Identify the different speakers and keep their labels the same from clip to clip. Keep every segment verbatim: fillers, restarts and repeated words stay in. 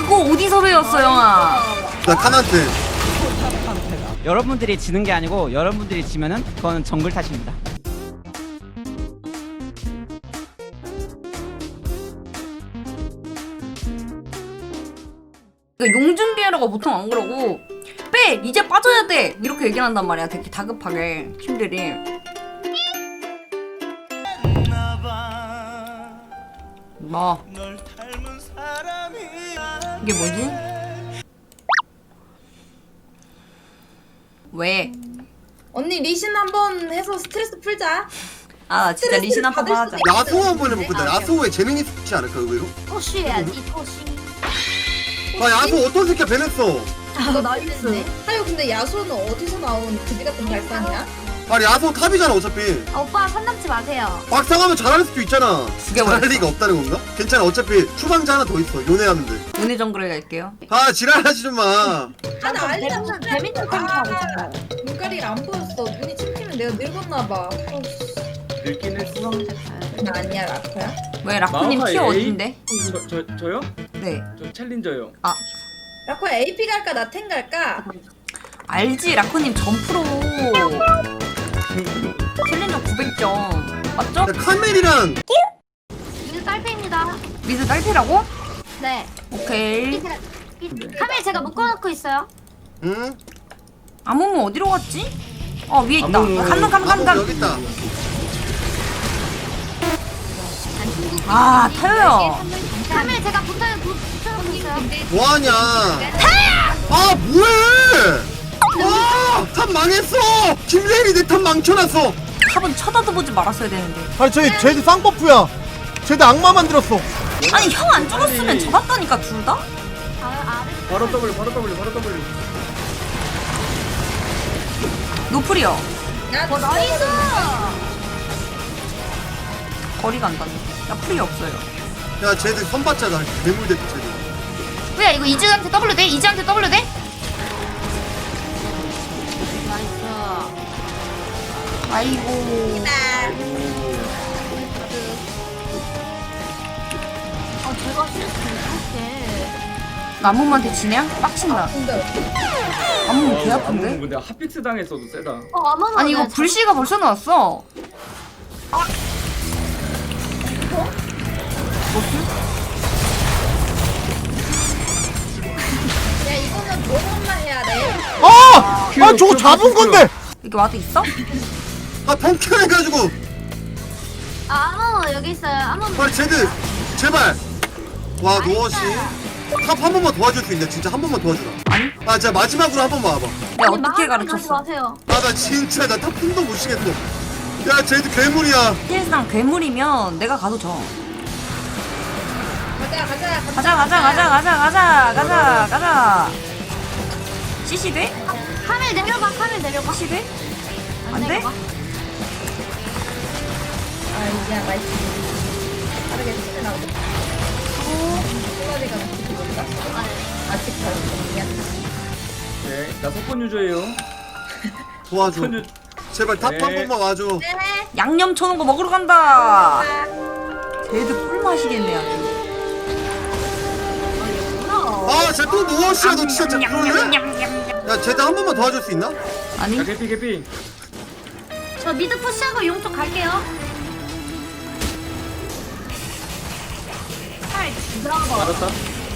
Speaker 1: 그거 어디서 배웠어, 영아?
Speaker 2: 나 카나한테.
Speaker 3: 여러분들이 지는 게 아니고 여러분들이 지면은 그거는 정글 탓입니다.
Speaker 1: 용 준비하라고 보통 안 그러고 빼! 이제 빠져야 돼! 이렇게 얘기를 한단 말이야. 되게 다급하게 팀들이. 뭐 이게 뭐지? 왜?
Speaker 4: 언니 리신 한번 해서 스트레스 풀자.
Speaker 1: 아 진짜 리신 한 번 하자.
Speaker 2: 야수호 한번 해볼까? 야수호에 재능이 있지 않을까 의외로?
Speaker 5: 토시해야지 토시.
Speaker 2: 아 야수호 어떤 새끼야 배냈어.
Speaker 4: 이거 나이스. 하여 근데 야수는 어디서 나온 그지 같은 발상이야?
Speaker 2: 아니 야수호 탑이잖아 어차피.
Speaker 5: 아, 오빠 선 넘지 마세요.
Speaker 2: 막상하면 잘할 수도 있잖아.
Speaker 1: 죽여버렸어.
Speaker 2: 잘할 리가 없다는 건가? 괜찮아 어차피 추방자 하나 더 있어 요네하면 돼.
Speaker 1: 은혜 정글에 갈게요.
Speaker 2: 아 지랄하지 좀 마.
Speaker 4: 아나 알리다
Speaker 5: 재밌는 재밌는 템 하고 있어요.
Speaker 4: 눈깔이가 안 보였어. 눈이 침히면 내가 늙었나 봐.
Speaker 6: 늙긴 했어.
Speaker 4: 나 아니야 라커야?
Speaker 1: 왜 라쿠님
Speaker 6: 마우카
Speaker 1: 티어
Speaker 6: 에이?
Speaker 1: 어딘데?
Speaker 6: 저, 저, 저요?
Speaker 1: 네.
Speaker 6: 저 챌린저요.
Speaker 1: 아
Speaker 4: 라커야 에이피 갈까 나텐 갈까?
Speaker 1: 알지 라쿠님 점프로 챌린저 구백 점 맞죠?
Speaker 2: 야, 카멜이랑
Speaker 5: 이거 딸패입니다.
Speaker 1: 미드 딸피라고?
Speaker 5: 네.
Speaker 1: 오케이.
Speaker 5: 카메라 제가 묶어놓고 있어요.
Speaker 2: 응?
Speaker 1: 아무무 어디로 갔지? 어 위에 있다.
Speaker 6: 아무무.
Speaker 1: 간다 간다
Speaker 2: 아무
Speaker 1: 간다.
Speaker 2: 여기 있다.
Speaker 1: 아 타요야.
Speaker 5: 카메라 제가 붙어 붙여놓고 있어요.
Speaker 2: 뭐하냐? 아 뭐해? 아탑 망했어. 김레인이 내 탑 망쳐놨어.
Speaker 1: 탑은 쳐다도 보지 말았어야 되는데.
Speaker 7: 아니 저희 쟤도 쌍버프야. 쟤도 악마 만들었어.
Speaker 1: 아니 형 안 죽었으면 잡았다니까 둘 다?
Speaker 5: 아, 아래.
Speaker 6: 바로 W, 바로 W, 바로 W.
Speaker 1: 노플이요.
Speaker 4: 야
Speaker 5: 어 나이스.
Speaker 1: 거리가 안 닿네. 나 풀이 없어요.
Speaker 2: 야 쟤들 선받자다. 괴물 대표 쟤들.
Speaker 1: 왜 이거 이즈한테 W 돼? 이즈한테 W 돼?
Speaker 5: 나이스.
Speaker 1: 아이고.
Speaker 5: 아 제가 실수 못할게.
Speaker 1: 나무한테 지냐? 빡친다.
Speaker 4: 근데
Speaker 1: 나무 개
Speaker 6: 아무
Speaker 1: 아픈데?
Speaker 6: 근데 핫픽스 당했어도 세다.
Speaker 5: 어 아마
Speaker 1: 아니 이거 불씨가 벌써 나왔어.
Speaker 4: 야 이거는 뭐만 해야 돼?
Speaker 7: 아! 아 저거 잡은 건데.
Speaker 1: 이렇게 와도 있어?
Speaker 2: 아 펑크해가지고.
Speaker 5: 아무 여기 있어요. 아무.
Speaker 2: 빨리 쟤들 제발. 와 노어씨. 탑 한 번만 도와줄 수 있냐? 진짜 한 번만 도와주라.
Speaker 1: 아니?
Speaker 2: 아 진짜 마지막으로 한 번만 와봐.
Speaker 1: 내가 어떻게 가르쳤어?
Speaker 5: 마세요.
Speaker 2: 아 나 진짜 나 탑 품도 못 쉬겠어. 야 쟤들 괴물이야.
Speaker 1: 사실상 괴물이면 내가 가도 져.
Speaker 4: 가자 가자
Speaker 1: 가자 가자 가자 가자 가자 가자 가자. 씨씨 돼?
Speaker 5: 카메라 내려봐. 카메라 내려봐.
Speaker 1: 씨씨 돼? 안 돼?
Speaker 5: 내려봐.
Speaker 4: 아 이제 나이스. 빠르게 치면 나오고. 꼬마리가 어떻게 볼까? 아직 잘못이야.
Speaker 6: 네, 나 석권 유저예요.
Speaker 2: 도와줘.
Speaker 6: 석권 유...
Speaker 2: 제발 탑 한
Speaker 6: 네.
Speaker 2: 번만 와줘.
Speaker 1: 양념 쳐놓은 거 먹으러 간다. 쟤들 꿀 마시겠네 아주.
Speaker 2: 아 쟤 또 노어씨야 너 진짜 그러네? 야 쟤들 한 번만 도와줄 수 있나?
Speaker 1: 아니
Speaker 6: 야, 개피, 개피.
Speaker 5: 저 미드 푸시하고 용쪽 갈게요.
Speaker 6: 알았다.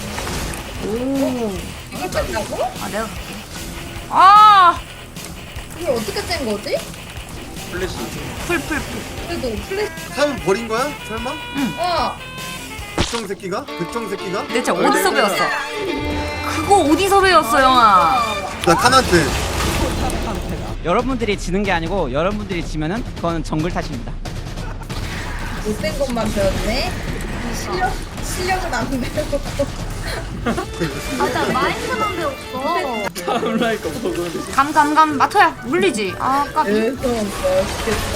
Speaker 1: 오.
Speaker 4: 이걸 뺀다고?
Speaker 1: 아 내가 갈게. 아.
Speaker 4: 이걸 어떻게 짠 거지?
Speaker 6: 플래시.
Speaker 1: 풀풀풀.
Speaker 4: 그래도 플래시.
Speaker 2: 탑은 버린 거야? 설마?
Speaker 4: 어.
Speaker 2: 백정 새끼가? 백정 새끼가?
Speaker 1: 대체 어디서 배웠어? 그거 어디서 배웠어 영아?
Speaker 2: 나 카나한테.
Speaker 3: 여러분들이 지는 게 아니고 여러분들이 지면은 그거는 정글 탓입니다.
Speaker 4: 못된 것만 배웠네. 실력 실력은 안 배우고.
Speaker 5: 맞아 마인드만 배웠어.
Speaker 6: 타임라이커 먹었는데.
Speaker 1: 감감감 마토야 물리지. 아 까비.
Speaker 4: 계속 멋있겠어.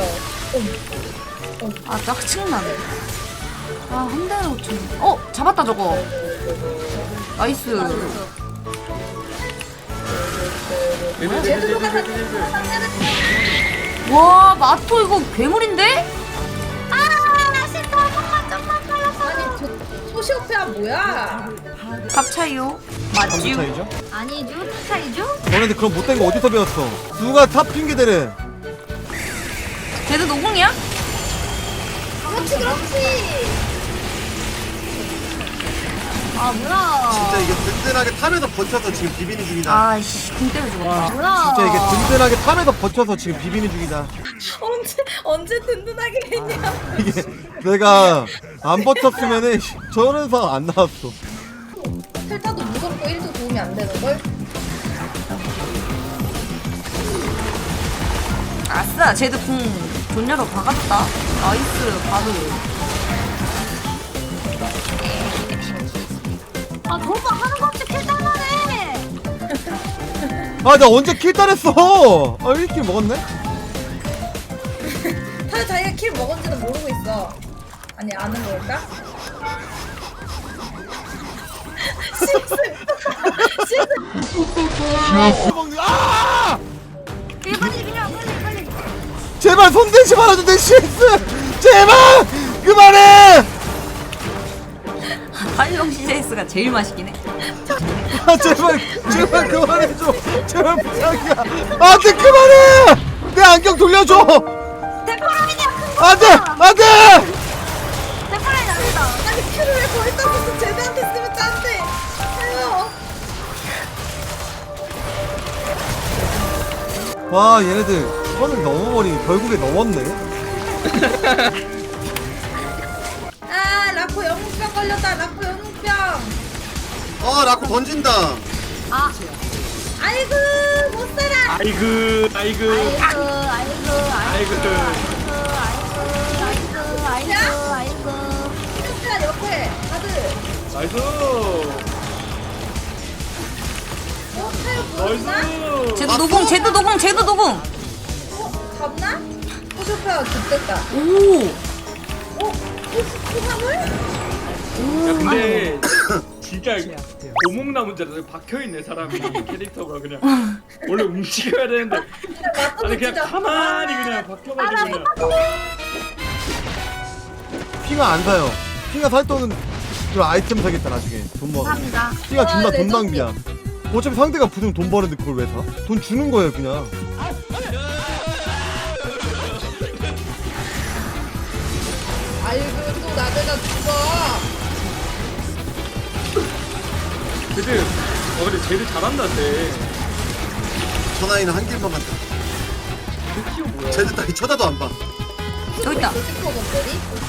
Speaker 1: 아 짜증나네. 아한 대는 오천. 어 잡았다 저거. 나이스.
Speaker 6: 얘들, 얘들, 얘들, 얘들, 얘들.
Speaker 1: 와 마토 이거 괴물인데?
Speaker 5: 아, 나 진짜 한 번만 좀만 빨랐어.
Speaker 4: 아니 저 소시오페아 뭐야?
Speaker 1: 값 차이요?
Speaker 7: 정도
Speaker 1: 맞지요?
Speaker 7: 차이죠?
Speaker 5: 아니죠? 차이죠?
Speaker 7: 너네들 그런 못된 거 어디서 배웠어? 누가 탑 핑계대래?
Speaker 1: 쟤도 노공이야?
Speaker 4: 그렇지 그렇지.
Speaker 5: 아 뭐야?
Speaker 2: 진짜 이게 든든하게 탑에서 버텨서 지금 비비는 중이다.
Speaker 1: 아이씨 궁 때문에 죽었다.
Speaker 5: 뭐야?
Speaker 7: 진짜 이게 든든하게 탑에서 버텨서 지금 비비는 중이다.
Speaker 4: 언제 언제 든든하게 했냐.
Speaker 7: 이게 내가 안 버텼으면은 저런 상황 안 나왔어.
Speaker 4: 텔타도 무섭고 일도 도움이 안 되는 걸.
Speaker 1: 아싸 쟤도 궁 존냐로 박았다. 나이스 바로.
Speaker 5: 아 도박 하는 거 없이 킬당하네.
Speaker 7: 아, 나 언제 킬 따냈어? 아, 일 킬 먹었네?
Speaker 4: 타 자기가 킬 먹은지도 모르고 있어. 아니 아는 걸까? 실수. 실수.
Speaker 7: 먹는, 아!
Speaker 5: 예, 빨리 그냥 빨리 빨리.
Speaker 7: 제발 손대지 말아줘, 내 실수! 제발! 그만해!
Speaker 1: 팔롱 씨제이에스가 제일 맛있긴 해.
Speaker 7: 아, 제발, 제발 그만해줘. 제발 부탁이야. 안 돼, 그만해! 내 안경 돌려줘!
Speaker 5: 데코라인이야.
Speaker 7: 안 돼! 안 돼!
Speaker 5: 데코라인 아니다.
Speaker 4: 아니 킬을 왜 거기다 무슨 쟤네한테 쓰면 짠데. 아유.
Speaker 7: 와, 얘네들 선을 넘어버리니 결국에 넘었네.
Speaker 4: 아 라코 영웅병 걸렸다. 라코 영웅병.
Speaker 2: 아 라코 던진다.
Speaker 5: 아
Speaker 4: 아이고 못 살아.
Speaker 6: 아이고 아이고
Speaker 5: 아이고 아이고 아이고
Speaker 6: 아이고.
Speaker 5: 아이고 아이고 아이고.
Speaker 4: 야 옆에 다들.
Speaker 6: 나이스
Speaker 4: 어 타요 보였나?
Speaker 6: 나이스.
Speaker 1: 쟤도 노공 쟤도 노공 쟤도 노공.
Speaker 4: 어 잡나? 호쇼페어 죽됐다.
Speaker 1: 오.
Speaker 4: 어? 호쇼페어를?
Speaker 6: 야 근데 진짜 오목나무인 줄 알았어. 박혀있네 사람이 캐릭터가 그냥 원래 움직여야 되는데
Speaker 4: 맞다
Speaker 6: 아니 그냥
Speaker 4: 진짜.
Speaker 6: 가만히 그냥 박혀가지고 그냥
Speaker 7: 핑아 안 사요. 핑아 살 돈은 그 아이템 사겠다, 나중에. 돈 모아.
Speaker 5: 감사합니다.
Speaker 7: 핑아 존나
Speaker 4: 와,
Speaker 7: 돈
Speaker 4: 레전드.
Speaker 7: 낭비야. 어차피 상대가 부수면 돈 버는데 그걸 왜 사? 돈 주는 거예요, 그냥.
Speaker 4: 아이고 또 나대가 죽어.
Speaker 6: 근데 어 근데 쟤들 잘한다 쟤.
Speaker 2: 전화이는 한 길만 간다.
Speaker 6: 그 키워 뭐야?
Speaker 2: 쟤들 따위 쳐다도 안 봐.
Speaker 1: 여기 있다.
Speaker 4: 슈퍼 건들이?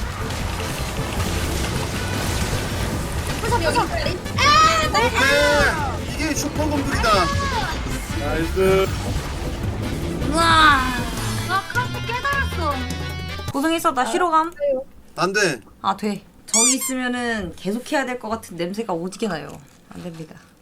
Speaker 4: 여기 있다리?
Speaker 2: 오케이. 이게 슈퍼검들이다.
Speaker 6: 나이스.
Speaker 1: 우와.
Speaker 5: 나 카트 깨달았어.
Speaker 1: 고생했어 나 쉬러감.
Speaker 2: 안 돼.
Speaker 1: 아 돼. 저기 있으면은 계속 해야 될 것 같은 냄새가 오지게 나요. 안 됩니다.